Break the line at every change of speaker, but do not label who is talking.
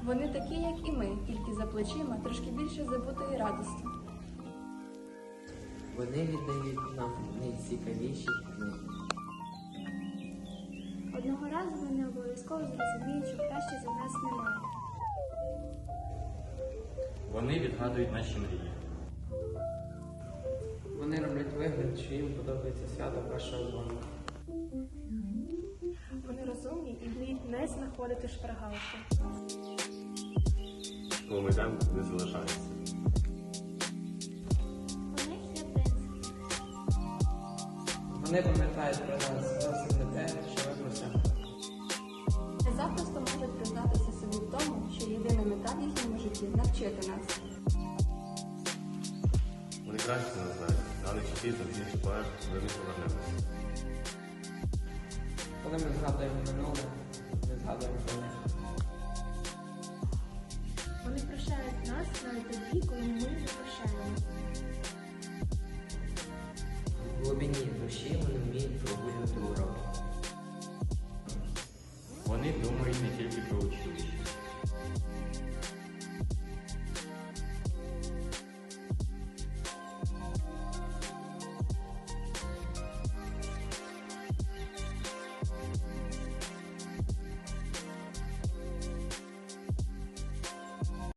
Вони такі, як і ми, тільки за плечима трошки більше забутої радості.
Вони віддають нам найцікавіші книги.
Одного разу вони обов'язково зрозуміють, що краще за нас немає.
Вони відгадують наші мрії.
Вони роблять вигляд, що їм подобається свято першого дзвоника.
Вони розумні і вміють не знаходити шпаргалки.
Коли ми йдемо, не залишається.
У них є принцип.
Вони пам'ятають про нас зовсім не те, що ми просимо.
Не запросто можуть признатися собі в тому, що єдина мета в їхньому житті – навчити нас.
Вони краще нас знають, але чи пізно пізніше поеш, ми не повернемося.
Коли ми згадуємо минуле, ми згадуємо про них.
Вони прощають нас навіть тоді, коли ми не прощаємо.
В глибині душі вони вміють прогулювати уроки.
Вони думають не тільки про училище.